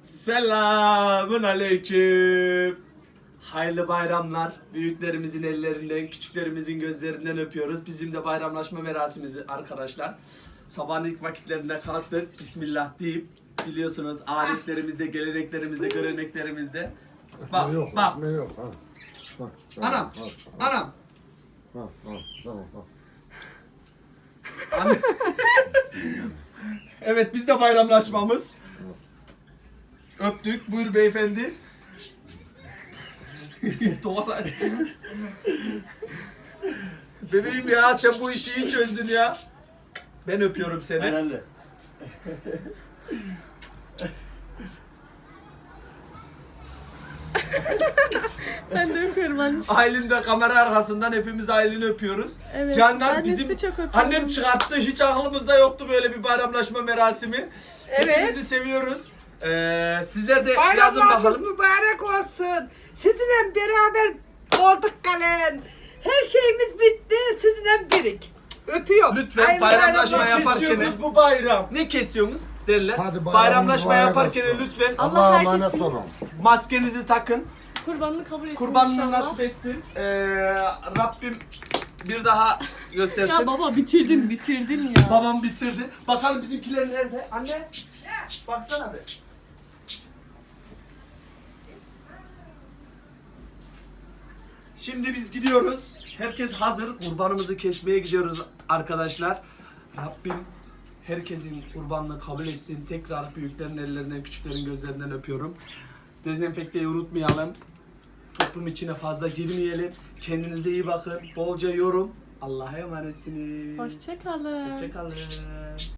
Selamun aleyküm. Hayırlı bayramlar. Büyüklerimizin ellerinden, küçüklerimizin gözlerinden öpüyoruz. Bizim de bayramlaşma merasimimiz arkadaşlar. Sabahın ilk vakitlerinde kalktık. Bismillah deyip biliyorsunuz adetlerimizde, geleneklerimizde, göreneklerimizde. Bak, Yok, bak. ne yok ha. Bak, Anam, anam. Tamam. Anne. Evet, biz de bayramlaşmamız. Öptük. Buyur beyefendi. Tuvalet. Bebeğim ya, sen bu işi iyi çözdün ya. Ben öpüyorum seni. Herhalde. Ben de öpüyorum anne. Aylin de kamera arkasından hepimiz Aylin'i öpüyoruz. Evet, Canlar ben de bizim sizi çok öpüyorum. annem çıkarttı. Hiç aklımızda yoktu böyle bir bayramlaşma merasimi. Evet. Hepinizi seviyoruz. Sizler de yazın Bayramlarınız bakalım. mübarek olsun. Sizinle beraber olduk galen. Her şeyimiz bitti. Sizinle birik. Öpüyorum. Lütfen Hayırlı bayramlaşma bayramlar. yaparken Kesiyoruz bu bayram. ne kesiyorsunuz derler. Hadi bayramınız Bayramlaşma mübarek yaparken olsun. lütfen Allah Allah'a herkesin- emanet olun. maskenizi takın. Kurbanını kabul etsin Kurbanını inşallah. nasip etsin. Rabbim bir daha göstersin. Ya baba bitirdin ya. Babam bitirdi. Bakalım bizimkiler nerede? Anne. Baksana be. Şimdi biz gidiyoruz. Herkes hazır. Kurbanımızı kesmeye gidiyoruz arkadaşlar. Rabbim herkesin kurbanını kabul etsin. Tekrar büyüklerin ellerinden, küçüklerin gözlerinden öpüyorum. Dezenfekteyi unutmayalım. Toplum içine fazla girmeyelim. Kendinize iyi bakın. Bolca yorum. Allah'a emanetsiniz. Hoşçakalın. Hoşçakalın.